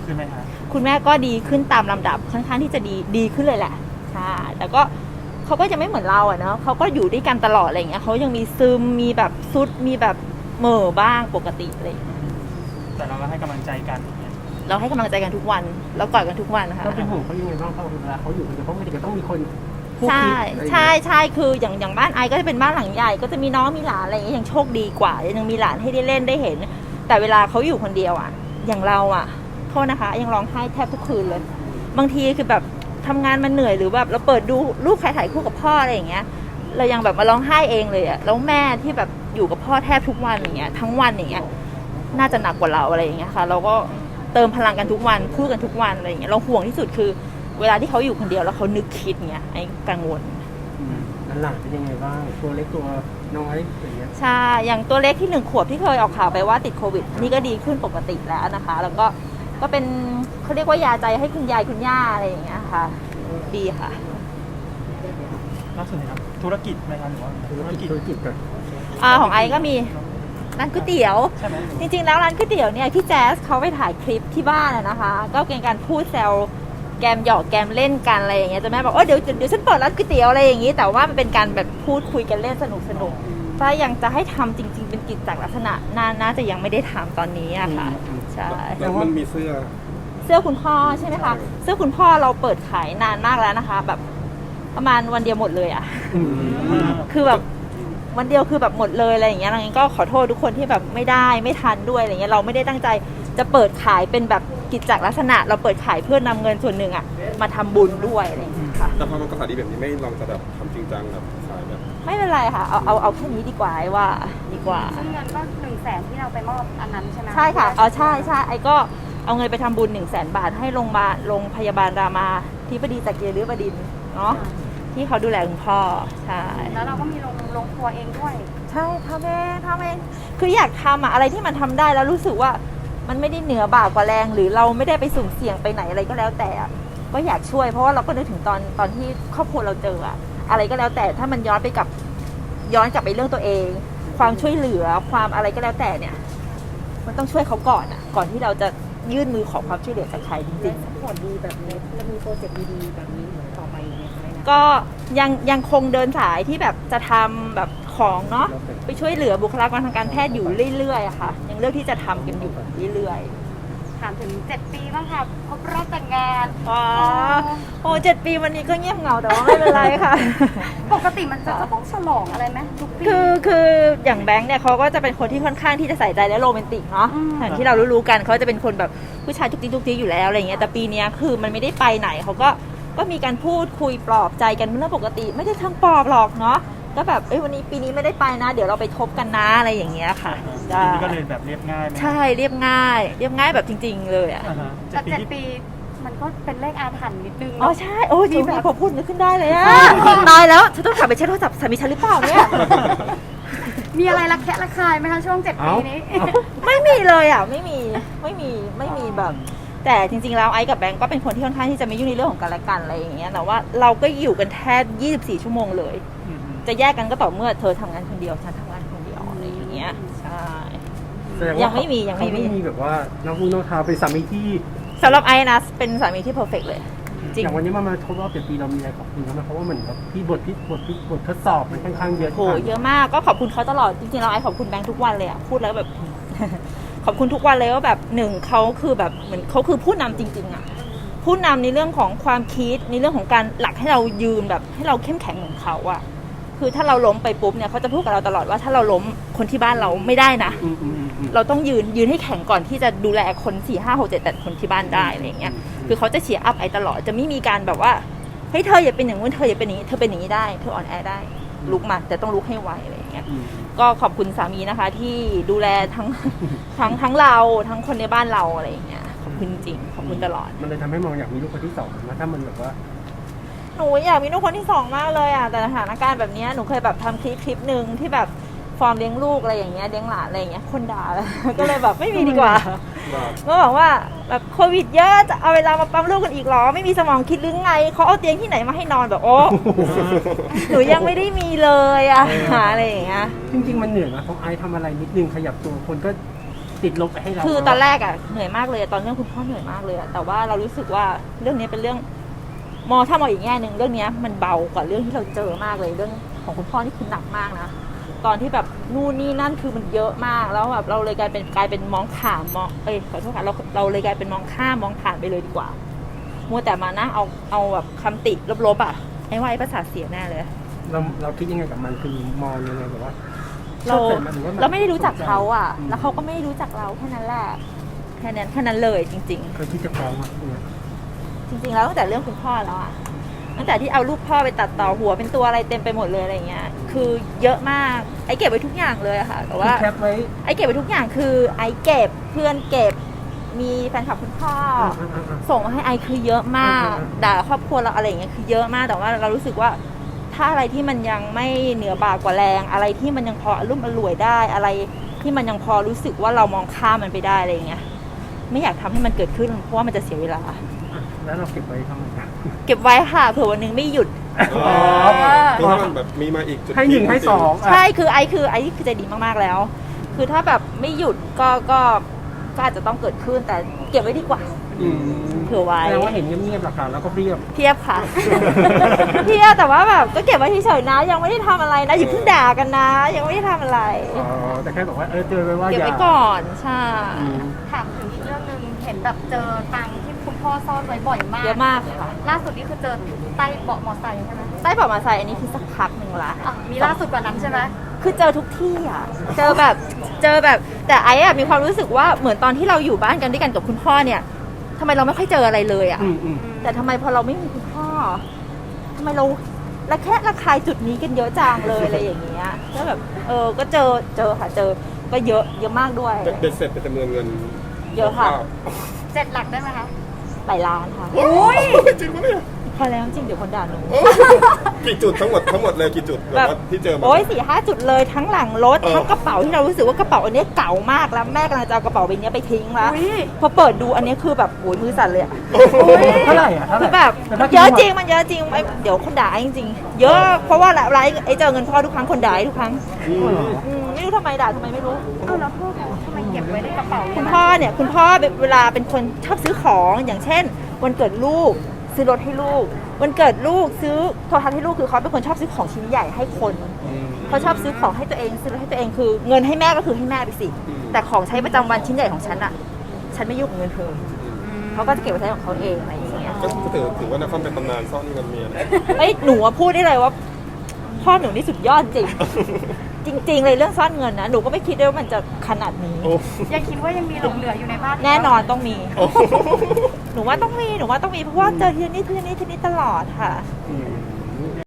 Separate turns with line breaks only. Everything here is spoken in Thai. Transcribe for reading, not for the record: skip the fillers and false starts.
ขึ้นไหมคะ
คุณแม่ก็ดีขึ้นตามลำดับค่อนข้างที่จะดีขึ้นเลยแหละใช่แต่ก็เขาก็จะไม่เหมือนเราอะเนาะเขาก็อยู่ด้วยกันตลอดอะไรอย่างเงี้ยเขายังมีซึมมีแบบซุดมีแบบเหม่อบ้างปกติอะไรอย่างเงี้ย
แต่เราก็ให้กำลังใจกัน
เราให้กำลังใจกันทุกวันเรากอดกันทุกวันนะคะ
เราเป็นห่วงเขายังไงบ้างเพราะเวลาเขาอยู่คนเดียวเพราะปกติก็ต้องมีคน
ใช่คืออย่างบ้านไอก็จะเป็นบ้านหลังใหญ่ก็จะมีน้องมีหลานอะไรอย่างเงี้ยยังโชคดีกว่ายังมีหลานให้ได้เล่นได้เห็นแต่เวลาเขาอยู่คนเดียวอ่ะอย่างเราอ่ะโทษนะคะยังร้องไห้แทบทุกคืนเลยบางทีคือแบบทำงานมันเหนื่อยหรือแบบเราเปิดดูรูปใครถ่ายคู่กับพ่ออะไรอย่างเงี้ยเรายังแบบมาร้องไห้เองเลยอ่ะแล้วแม่ที่แบบอยู่กับพ่อแทบทุกวันอย่างเงี้ยทั้งวันอย่างเงี้ยน่าจะหนักกว่าเราอะไรอย่างเงี้ยค่ะเราก็เติมพลังกันทุกวันพูดกันทุกวันอะไรอย่างเงี้ยเราห่วงที่สุดคือเวลาที่เขาอยู่คนเดียวแล้วเขานึกคิดเงี้ยไอ้กังวล
หลังเป็นยังไงบ้างตัวเล็กตัวน้อยอย่างเงี้ย
ใช่อย่างตัวเล็กที่1 ขวบที่เคยออกข่าวไปว่าติดโควิดนี่ก็ดีขึ้นปกติแล้วนะคะแล้วก็เป็นเขาเรียกว่ายาใจให้คุณยายคุณย่าอะไรอย่างเงี้ยค่ะดีค่ะ
ล่าสุดนะครับธุรกิจไหมครับหรือว่าธุรกิจ
กัน
ของไอก็มีร้านก๋วยเตี๋ยวจริงๆแล้วร้านก๋วยเตี๋ยวเนี่ยพี่แจ๊สเขาไปถ่ายคลิปที่บ้านนะคะก็เป็นการพูดแซวแกมหยอกแกมเล่นกันอะไรอย่างเงี้ยจะแม่บอกเดี๋ยวฉันเปิดร้านก๋วยเตี๋ยวอะไรอย่างงี้แต่ว่ามันเป็นการแบบพูดคุยกันเล่นสนุกถ้ายังจะให้ทำจริงๆเป็นกิจจากลักษณะน่าจะยังไม่ได้ทำตอนนี้อะค่ะใช่
แล้วมันมีเสื้อ
คุณพ่อใช่ไหมคะเสื้อคุณพ่อเราเปิดขายนานมากแล้วนะคะแบบประมาณวันเดียวหมดเลยอะคือแบบวันเดียวคือแบบหมดเลยอะไรอย่างเงี้ยเราก็ขอโทษทุกคนที่แบบไม่ทันด้วยอะไรเงี้ยเราไม่ได้ตั้งใจจะเปิดขายเป็นแบบกิจจลักษณะเราเปิดขายเพื่อนำเงินส่วนหนึ่งอะมาทำบุญด้วยอะไรอย่างเงี้ยค่ะ
แต่พอมันกระแสดีแบบนี้ไม่ลองจะแบบทำจริงจังแบบขายแบบ
ไม่เป็นไรค่ะเอาแค่นี้ดีกว่าว่าดีกว่า
ซึ่งเงินก็100,000ที่เราไปมอบอันนั้นใช่ไหม
ใช่ค่ะใช่ไอ้ก็เอาเงินไปทำบุญ100,000 บาทให้โรงพยาบาลรามาธิบดีจักรีฤบดินทร์เนาะที่เขาดูแลคุณพ่อใช่
แล้วเราก็มีโรงครัวเองด้วย
ใช่ทำเองคืออยากทำอะไรที่มันทำได้แล้วรู้สึกว่ามันไม่ได้เหนือบากกว่าแรงหรือเราไม่ได้ไปสุ่มเสี่ยงไปไหนอะไรก็แล้วแต่ก็อยากช่วยเพราะว่าเราก็นึกถึงตอนที่ครอบครัวเราเจออะไรก็แล้วแต่ถ้ามันย้อนกลับไปเรื่องตัวเองความช่วยเหลือความอะไรก็แล้วแต่เนี่ยมันต้องช่วยเขาก่อนก่อนที่เราจะยื่นมือขอความช่วยเหลือจากใครจริงๆ
ผลดีแบบนี้จะมีโปรเจกต์ดีๆแบบนี้ต่อไปไหมคะ
ก็ยังคงเดินสายที่แบบจะทำแบบของเนาะไปช่วยเหลือบุคลากรทางการแพทย์อยู่เรื่อยๆอะค่ะยังเลือกที่จะทำกันอยู่เรื่อย
ๆถามถึง7 ปีบ้างค่ะครบรอบแต่งงาน
7 ปีวันนี้ก็เงียบเหงาแต่ว่าไม่เป็นไรค่ะ
ปกติมันจะต้องฉลองอะไรไหมทุกปี
คืออย่างแบงค์เนี่ยเขาก็จะเป็นคนที่ค่อนข้างที่จะใส่ใจและโรแมนติกเนาะอย่างที่เรารู้ๆกันเขาจะเป็นคนแบบผู้ชายทุกทีอยู่แล้วอะไรเงี้ยแต่ปีนี้คือมันไม่ได้ไปไหนเขาก็มีการพูดคุยปลอบใจกันเป็นเรื่องปกติไม่ได้ทั้งปลอบหรอกเนาะก็แบบวันนี้ปีนี้ไม่ได้ไปนะเดี๋ยวเราไปทบกันนะอะไรอย่างเงี้ยค่ะ
ปีนี้ก็เลยแบบเรียบง่ายไหม
ใช่เรียบง่ายแบบจริงๆเลยอ่ะ
แต่7 ปีมันก็เป็นเลขอาถรรพ์นิดนึง
ใช่จริงพอพูดนึกขึ้นได้เลยอะตายแล้วฉันต้องกลับไปเช็คโทรศัพท์สามีฉันหรือเปล่าเนี่ย
มีอะไรระแคะระคายไหมคะช่วง7 ปีนี้
ไม่มีเลยอ่ะไม่มีแบบแต่จริงๆแล้วไอ้กับแบงก์ก็เป็นคนที่ค่อนข้างที่จะไม่ยุ่งในเรื่องของกันและกันอะไรอย่างเงี้ยแต่ว่าเราก็อยู่กันแทบ24 ชั่วโมงเลยจะแยกกันก็ต่อเมื่อเธอทำงานคนเดียวฉันทำงานคนเดียวอะไรอย่างเงี้ยใช่ยังไม่มี
แบบว่าน้องน้องทาเป็นสามีที่
สำหรับไอ้นะเป็นสามีที่เพอร์เฟกต์เลย
จริงอย่างวันนี้มาครบรอบ7 ปีเรามีอะไรขอบคุณเขาไหมเพราะว่าเหมือนแบบพี่บททดสอบมันค่อนข้างเยอะ
เยอะมากก็ขอบคุณเขาตลอดจริงๆเราไอ้ขอบคุณแบงค์ทุกวันเลยอ่ะพูดแล้วแบบขอบคุณทุกวันเลยว่าแบบ1เขาคือแบบเหมือนเขาคือผู้นำจริงๆอ่ะผู้นำในเรื่องของความคิดในเรื่องของการหลักให้เรายืนแบบให้เราเข้มแข็งเหมือนเขาอ่ะคือถ้าเราล้มไปปุ๊บเนี่ยเขาจะพูดกับเราตลอดว่าถ้าเราล้มคนที่บ้านเราไม่ได้นะเราต้องยืนให้แข็งก่อนที่จะดูแลคน4 5 6 7 8 คนที่บ้านได้อะไรอย่างเงี้ยคือเขาจะเชียร์อัพไอ้ตลอดจะไม่มีการแบบว่าเฮ้ยเธออย่าเป็นอย่างนู้นเธออย่าเป็นอย่างนี้เธอเป็นอย่างนี้ได้เธออ่อนแอได้ลุกมาแต่ต้องลุกให้ไวอะไรอย่างเงี้ยก็ขอบคุณสามีนะคะที่ดูแลทั้งเราทั้งคนในบ้านเราอะไรอย่างเงี้ยขอบคุณจริงขอบคุณตลอด
มันเลยทำให้มองอยากมีลูกคนที่2นะถ้ามันแบบว่า
หนูอยากมีลูกคนที่2มากเลยอ่ะแต่สถานการณ์แบบนี้หนูเคยแบบทำคลิปนึงที่แบบฟอร์มเลี้ยงลูกอะไรอย่างเงี้ยเลี้ยงหลานอะไรอย่างเงี้ยคนด่าก็เลยแบบไม่มีดีกว่าก็บอกว่าแบบโควิดเยอะจะเอาเวลามาปั๊มลูกกันอีกหรอไม่มีสมองคิดหรือไงเขาเอาเตียงที่ไหนมาให้นอนแบบโอ้หนูยังไม่ได้มีเลยอะอะไรอย่างเงี้ย
จริงๆมันเหนื่อยนะต้องไอทำอะไรนิดนึงขยับตัวคนก็ติดลบไปให้เรา
คือตอนแรกอะเหนื่อยมากเลยตอนเรื่องคุณพ่อเหนื่อยมากเลยอะแต่ว่าเรารู้สึกว่าเรื่องนี้เป็นเรื่องถ้ามองอีกแง่หนึ่งเรื่องนี้มันเบากว่าเรื่องที่เราเจอมากเลยเรื่องของคุณพ่อนี่คือหนักมากนะตอนที่แบบนู่นนี่นั่นคือมันเยอะมากแล้วแบบเราเลยกลายเป็นมองข้ามขอโทษค่ะเราเลยกลายเป็นมองข้ามมองผ่านไปเลยดีกว่ามัวแต่มานะเอาแบบคำติลบๆอะไอ้ว่าไอ้ประสาทเสียแน่เลย
เราคิดยังไงกับมันคือมองยังไงแบบว่า
เราไม่ได้รู้จักเขาอ่ะ แล้วเขาก็ไม่ได้รู้จักเราแค่นั้นแหละแค่นั้นเลยจริง
เคยคิดจะฟ้องมั้ย
ๆ จริงๆแล้วตั้งแต่เรื่องคุณพ่อแล้วอ่ะตั้งแต่ที่เอารูปพ่อไปตัดต่อหัวเป็นตัวอะไรเต็มไปหมดเลยอะไรเงี้ยคือเยอะมากไอ้เก็บไว้ทุกอย่างเลยอะค่ะแต่ว่า
แคปไว้
ไอ้เก็บไว้ทุกอย่างคือไอ้เก็บเพื่อนเก็บมีแฟนคลับคุณพ่อส่งมาให้ไอ้คือเยอะมากด่าครอบครัวเราอะไรอย่างเงี้ยคือเยอะมากแต่ว่าเรารู้สึกว่าถ้าอะไรที่มันยังไม่เหนือบ่ากว่าแรงอะไรที่มันยังพอรุ่มอร่วยได้อะไรที่มันยังพอรู้สึกว่าเรามองข้ามมันไปได้อะไรอย่างเงี้ยไม่อยากทำให้มันเกิดขึ้นเพราะว่ามันจะเสียเวลา
แล้วเราเก็บไว้ทำไมครับ
เก็บไว้ค่ะเผื่อวันหนึงไม่หยุด
คือถ้ามันแบบมีมาอีกจุด
ให้1ให้2
ใช่คือไอ้คือใจดีมากๆแล้ว คือถ้าแบบไม่หยุดก็อาจจะต้องเกิดขึ้นแต่เก็บไว้ดีกว่าเผื่อไว้
แสดงว่าเห็นเงียบๆหลักฐานแล้วก็เรียบ
เทียบค่ะ เทียบแต่ว่าแบบก็เก็บไว้เฉยๆนะยังไม่ได้ทำอะไรนะอย่าเพิ่งด่ากันนะ ยังไม่ได้ทำอะไร
แต่แค่บอกว่าเจอไว้ว่า
เก็บ
อย่า
ไว้ก่อนใช่
ถามถึงอีกเรื่องหนึ่งเห็นแบบเจอตังค์ที่คุณพ่อซ่อนไว้บ่อยมาก
เยอะมากค่ะ
ล่าสุดนี่คือเจอใต้เบาะมอไซค์ใช่ไหม
ใต้เบาะมาใส่อันนี้คือสักพักหนึ่งละ
อ่ะมีล่าสุดกว่านั้นใช่ไหม
คือเจอทุกที่อ่ะ เจอแบบแต่ไอ้อะมีความรู้สึกว่าเหมือนตอนที่เราอยู่บ้านกันด้วยกันกับคุณพ่อเนี่ยทำไมเราไม่ค่อยเจออะไรเลยอ่ะ แต่ทำไมพอเราไม่มีคุณพ่อทำไมเราระคายจุดนี้กันเยอะจังเลยอะไรอย่างเงี้ยแล้วแบบก็เจอค่ะเจอก็เยอะมากด้วย
เบ็ดเสร็จเป็นจำนวนเงิน
เยอะค่ะ
7 หลักได้ไหมคะ
หลายล้านค่ะ
โอ้ยจริงปะเนี่ย
พอแล้วจริงเดี๋ยวคนด่าหนู
กี่จุดทั้งหมดเลยกี่จุดแบบว่าที่เจอมา
โอ้ย4-5 จุดเลยทั้งหลังรถทั้งกระเป๋าที่เรารู้สึกว่ากระเป๋าอันเนี้ยเก่ามากแล้วแม่กำลังจะเอากระเป๋าใบนี้ไปทิ้งแล้ว
อุ๊ย
พอเปิดดูอันเนี้ยคือแบบโอ้ยมือสั่นเลยอะ
เท่าไหร่อ่ะเท่าไห
คื
ร่
อแบบมันเยอะจริงมันเยอะจริงเดี๋ยวคนด่าจริงๆเยอะเพราะว่าไลฟ์ไอ้เจอเงินพ่อทุกครั้งคนด่าทุกครั้งไม่รู้ทำไมด่าทำไมไม่รู้
เอาแล้วพ่อทำไมเก็บไว้ในกระเป๋า
คุณพ่อเวลาเป็นคนชอบซื้อของอย่างเช่นวันเกิดลูกซื้อรถให้ลูกวันเกิดลูกซื้อโทรทัศน์ให้ลูกคือเขาเป็นคนชอบซื้อของชิ้นใหญ่ให้คนเขาชอบซื้อของให้ตัวเองซื้อรถให้ตัวเองคือเงินให้แม่ก็คือให้แม่ไปสิแต่ของใช้ประจำวันชิ้นใหญ่ของฉันอะฉันไม่ยุ่งกับเงินเธอเขาก็จะเก็บไว้ใช้ของเขาเองอะไรอย่างเงี้ย
ก็ถือว่านักคอมเป็นตำนานซ่อนเงินเมียนะ
หนูพูดได้เลยว่าพ่อหนูนี่สุดยอดจริง จริง ๆ เลยเรื่องซ่อนเงินนะหนูก็ไม่คิดด้วยว่ามันจะขนาดนี้
ยังคิดว่ายังมีหลงเหลืออยู่ในบ้าน
แน่นอนต้องมี หนูว่าต้องมีเพราะว่าเจอทีนี้ตลอดค่ะ